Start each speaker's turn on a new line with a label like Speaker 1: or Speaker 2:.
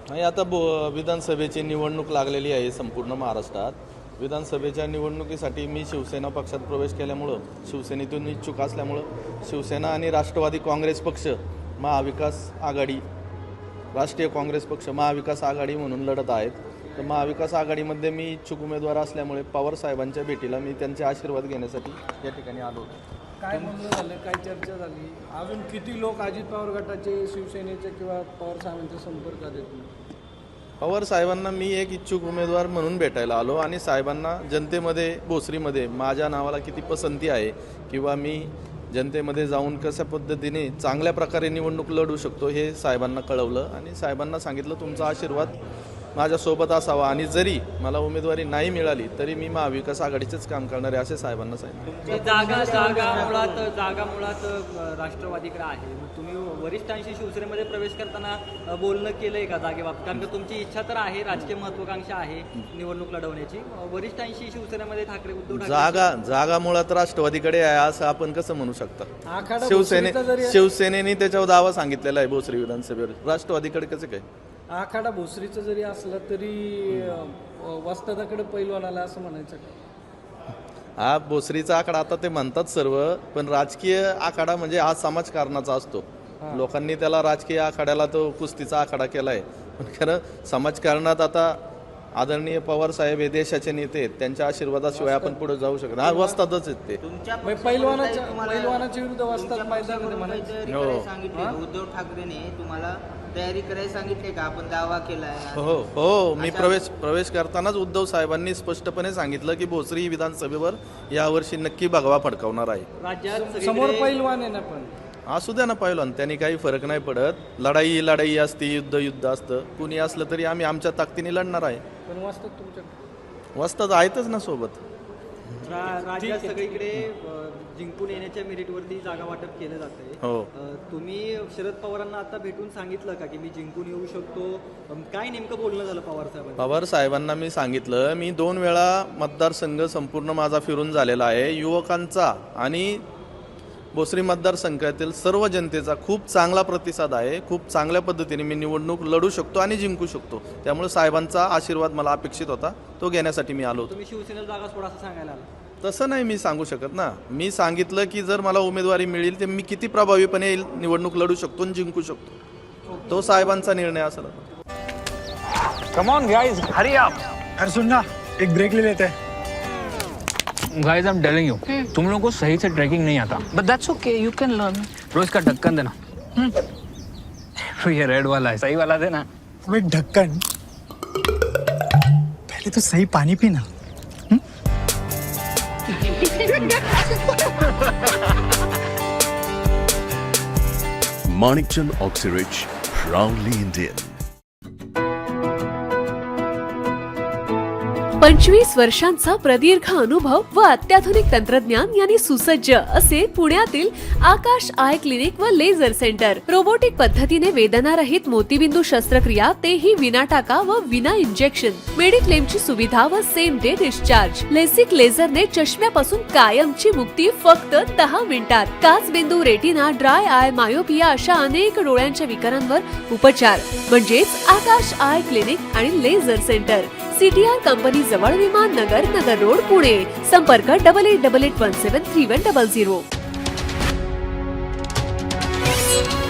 Speaker 1: नाही, आता विधानसभेची निवडणूक लागलेली आहे संपूर्ण महाराष्ट्रात. विधानसभेच्या निवडणुकीसाठी मी शिवसेना पक्षात प्रवेश केल्यामुळं, शिवसेनेतून इच्छुक असल्यामुळं शिवसेना आणि राष्ट्रवादी काँग्रेस पक्ष, महाविकास आघाडी, राष्ट्रीय काँग्रेस पक्ष महाविकास आघाडी म्हणून लढत आहेत. तर महाविकास आघाडीमध्ये मी इच्छुक उमेदवार असल्यामुळे पवार साहेबांच्या भेटीला मी त्यांचे आशीर्वाद घेण्यासाठी या ठिकाणी आलो होतो.
Speaker 2: काय म्हणणं झालं, काय चर्चा झाली, अजून किती लोक अजित पवार गटाचे, शिवसेनेचे किंवा पवार साहेबांच्या संपर्कात येतील?
Speaker 1: पवार साहेबांना मी एक इच्छुक उमेदवार म्हणून भेटायला आलो आणि साहेबांना जनतेमध्ये भोसरीमध्ये माझ्या नावाला किती पसंती आहे किंवा मी जनतेमध्ये जाऊन कशा पद्धतीने चांगल्या प्रकारे निवडणूक लढू शकतो हे साहेबांना कळवलं आणि साहेबांना सांगितलं तुमचा आशीर्वाद माझ्यासोबत असावा आणि जरी मला उमेदवारी नाही मिळाली तरी मी महाविकास आघाडीचेच काम करणार आहे असे साहेबांना सांगितलं.
Speaker 3: जागा मुळात राष्ट्रवादीकडे आहे. तुम्ही वरिष्ठांशी शिवसेनेमध्ये प्रवेश करताना बोलणं केलंय का जागेबाबत? कारण की तुमची इच्छा तर आहे, राजकीय महत्वाकांक्षा आहे निवडणूक लढवण्याची. वरिष्ठांशी शिवसेनेमध्ये ठाकरे उद्धव ठाकरे
Speaker 1: जागा मुळात राष्ट्रवादीकडे आहे असं आपण कसं म्हणू शकता?
Speaker 2: आखाडा
Speaker 1: शिवसेनेने त्याच्यावर दावा सांगितलेला आहे भोसरी विधानसभेवर, राष्ट्रवादीकडे कसं काय?
Speaker 2: आखाडा भोसरीचं जरी असलं तरी वस्तादाकडे पैलवान आला असं म्हणायचं का?
Speaker 1: हा भोसरीचा आखाडा आता ते म्हणतात सर्व, पण राजकीय आखाडा म्हणजे हा समाजकारणाचा असतो. लोकांनी त्याला राजकीय आखाड्याला तो कुस्तीचा आखाडा केलाय, पण खरं समाजकारणात आता आदरणीय पवार साहेब हे देशाचे नेते आहेत, त्यांच्या आशीर्वादाशिवाय आपण पुढे जाऊ शकत नाही. वस्तादच आहेत ते.
Speaker 2: पैलवानाच्या विरुद्ध वस्ताद मैदानामध्ये म्हणायचं.
Speaker 4: उद्धव ठाकरेने तुम्हाला तयारी करायला सांगितले का? आपण दावा केलाय.
Speaker 1: हो, मी प्रवेश करतानाच उद्धव साहेबांनी स्पष्टपणे सांगितलं की भोसरी विधानसभेवर यावर्षी नक्की भगवा फडकावणार आहे.
Speaker 3: राज्यात
Speaker 2: समोर पैलवान आहे ना, पण
Speaker 1: असू द्या ना पहिलवान, त्यांनी काही फरक नाही पडत. लढाई असते, युद्ध असतं, कुणी असलं तरी आम्ही आमच्या ताकदीने लढणार आहे.
Speaker 2: पण वस्ताद तुमच्या
Speaker 1: वस्ताद आहेतच ना सोबत.
Speaker 3: राज्यात सगळीकडे जिंकून येण्याच्या मेरिटवरती जागा वाटप केलं जातंय.
Speaker 1: हो,
Speaker 3: तुम्ही शरद पवारांना आता भेटून सांगितलं का की मी जिंकून येऊ शकतो? काय नेमकं बोलणं झालं पवार साहेबांना?
Speaker 1: पवार साहेबांना मी सांगितलं, मी 2 वेळा मतदारसंघ संपूर्ण माझा फिरून झालेला आहे. युवकांचा आणि भोसरी मतदारसंघातील सर्व जनतेचा खूप चांगला प्रतिसाद आहे. खूप चांगल्या पद्धतीने मी निवडणूक लढू शकतो आणि जिंकू शकतो. त्यामुळे साहेबांचा आशीर्वाद मला अपेक्षित होता, तो घेण्यासाठी मी आलो होतो.
Speaker 3: तुम्ही शिवसेनेला जागा सोडा असं सांगायला आला?
Speaker 1: तसं नाही मी सांगू शकत ना. मी सांगितलं की जर मला उमेदवारी मिळेल तर मी किती प्रभावीपणे निवडणूक लढू शकतो आणि जिंकू शकतो. तो साहेबांचा निर्णय असेल.
Speaker 5: Come on guys, hurry up.
Speaker 6: अरे सुन ना, एक ब्रेक ले लेते हैं.
Speaker 5: Guys, I am telling you, तुम लोगों को सही से ट्रैकिंग नहीं आता.
Speaker 7: But that's okay, you can learn.
Speaker 5: रोज का ढक्कन देना. ये रेड वाला है, सही वाला देना.
Speaker 6: अबे ढक्कन, पहले तो सही पानी पीना.
Speaker 8: Manikchand Oxyrich, proudly Indian.
Speaker 9: 25 वर्षांचा प्रदीर्घ अनुभव व अत्याधुनिक तंत्रज्ञान यांनी सुसज्ज असे पुण्यातील आकाश आय क्लिनिक व लेझर सेंटर. रोबोटिक पद्धतीने वेदनारहित मोतीबिंदू शस्त्रक्रिया, तेही विना टाका व विना इंजेक्शन. मेडिक्लेमची सुविधा व सेम डे डिस्चार्ज. लेसिक लेझरने चष्म्यापासून कायमची मुक्ती फक्त 10 मिनिटात. काचबिंदू, रेटिना, ड्राय आय, मायोपिया अशा अनेक डोळ्यांच्या विकारांवर उपचार म्हणजेच आकाश आय क्लिनिक आणि लेझर सेंटर. CTR कंपनी जवळ, विमान नगर रोड, पुणे. संपर्क 8888173100.